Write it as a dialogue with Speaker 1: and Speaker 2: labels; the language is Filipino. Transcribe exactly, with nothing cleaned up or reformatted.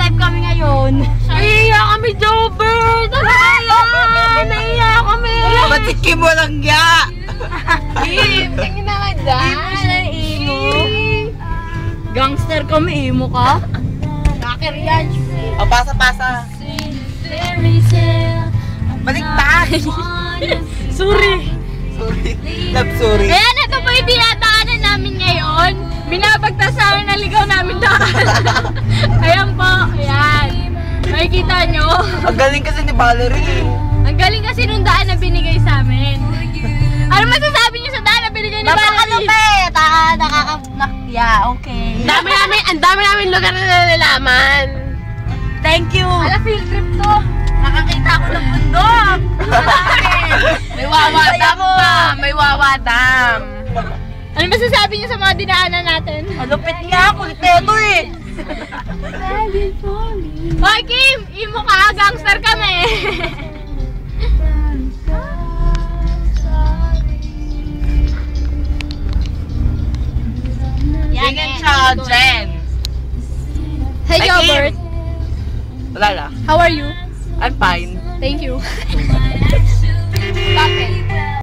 Speaker 1: Magla-live kami ngayon.
Speaker 2: Naiiyak kami, Jobert! Ano kaya? Naiiyak kami!
Speaker 3: Ba't si Kim walang ya?
Speaker 2: Kim, tingin na nga dyan.
Speaker 1: Imo. Gangster kami, imo ka?
Speaker 2: Hacker yan.
Speaker 3: O, pasa-pasa. Baliktad!
Speaker 1: Sorry.
Speaker 3: Sorry. Love, sorry.
Speaker 2: Ayan, ito po yung dinadaanan namin ngayon. Binabagtasahan na ligaw namin daan. Ayan po, ayan. Makikita nyo.
Speaker 3: Ang galing kasi ni Valerie.
Speaker 2: Ang galing kasi nung daan na binigay sa amin. Ano masasabi niyo sa daan na binigay ni Valerie?
Speaker 1: Napakalupit. Ah, nakaka... Yeah, okay.
Speaker 2: Ang dami namin, ang dami namin lugar na nalalaman.
Speaker 1: Thank you.
Speaker 2: Ala, field trip to.
Speaker 1: Nakakita ako ng bundok.
Speaker 2: May wawa dam pa. May wawa dam. Ano masasabi niyo sa mga dinaanan natin?
Speaker 1: Malupit nga ako. Liteto eh.
Speaker 2: Hoy, Kim! Imo ka, gangster kami.
Speaker 3: Yan yan siya, Jen.
Speaker 2: Hey,
Speaker 3: Hi,
Speaker 2: Gilbert.
Speaker 3: Wala lang.
Speaker 2: How are you?
Speaker 3: I'm fine.
Speaker 2: Thank you.